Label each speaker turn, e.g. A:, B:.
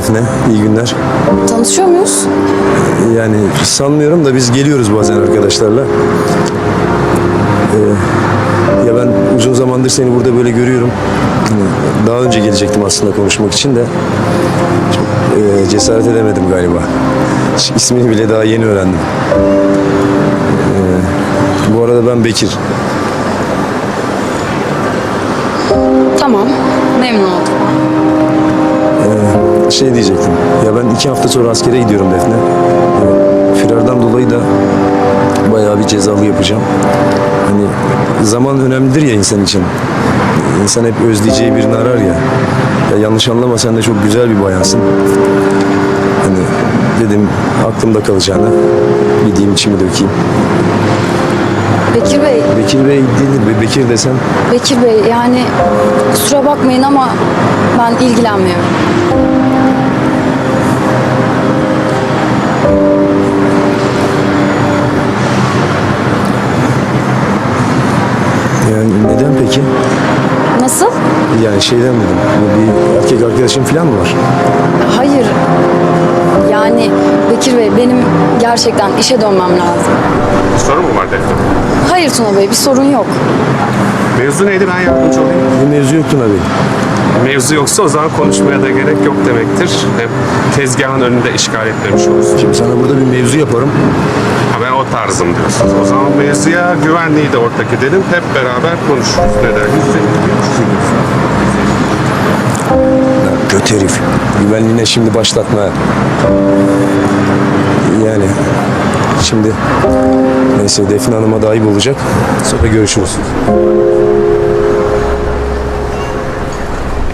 A: Defne. İyi günler.
B: Tanışıyor muyuz?
A: Yani sanmıyorum da biz geliyoruz bazen arkadaşlarla. Ya ben uzun zamandır seni burada böyle görüyorum. Daha önce gelecektim aslında konuşmak için de. Çok cesaret edemedim galiba. İsmini bile daha yeni öğrendim. Bu arada ben Bekir.
B: Tamam. Memnun oldum.
A: Şey diyecektim. Ya ben 2 hafta sonra askere gidiyorum Defne. Firardan dolayı da bayağı bir cezalı yapacağım. Hani zaman önemlidir ya insan için. İnsan hep özleyeceği birini arar ya. Ya yanlış anlama, sen de çok güzel bir bayansın. Hani dedim aklımda kalacağına gideyim içimi dökeyim.
B: Bekir Bey,
A: Bekir Bey değildir. Bekir desem.
B: Bekir Bey yani kusura bakmayın ama ben ilgilenmiyorum.
A: Yani neden peki?
B: Nasıl?
A: Yani şeyden dedim. Bir erkek arkadaşın falan mı var?
B: Hayır. Yani Bekir Bey benim gerçekten işe dönmem lazım.
C: Sorun mu var Defne?
B: Hayır Tuna Bey bir sorun yok.
C: Mevzu neydi, ben yardımcı olayım.
A: Bir mevzu yoktu abi.
C: Mevzu yoksa o zaman konuşmaya da gerek yok demektir. Hem tezgahın önünde işgal etmemiş olursun.
A: Şimdi sana burada bir mevzu yaparım.
C: Ha, ben o tarzım diyorsunuz. O zaman mevzuya güvenliği de ortak edelim. Hep beraber konuşuruz. Ne dersiniz?
A: Kötü herif. Güvenliğine şimdi başlatma. Yani şimdi neyse Defne Hanım'a da ayıp olacak. Sonra görüşürüz.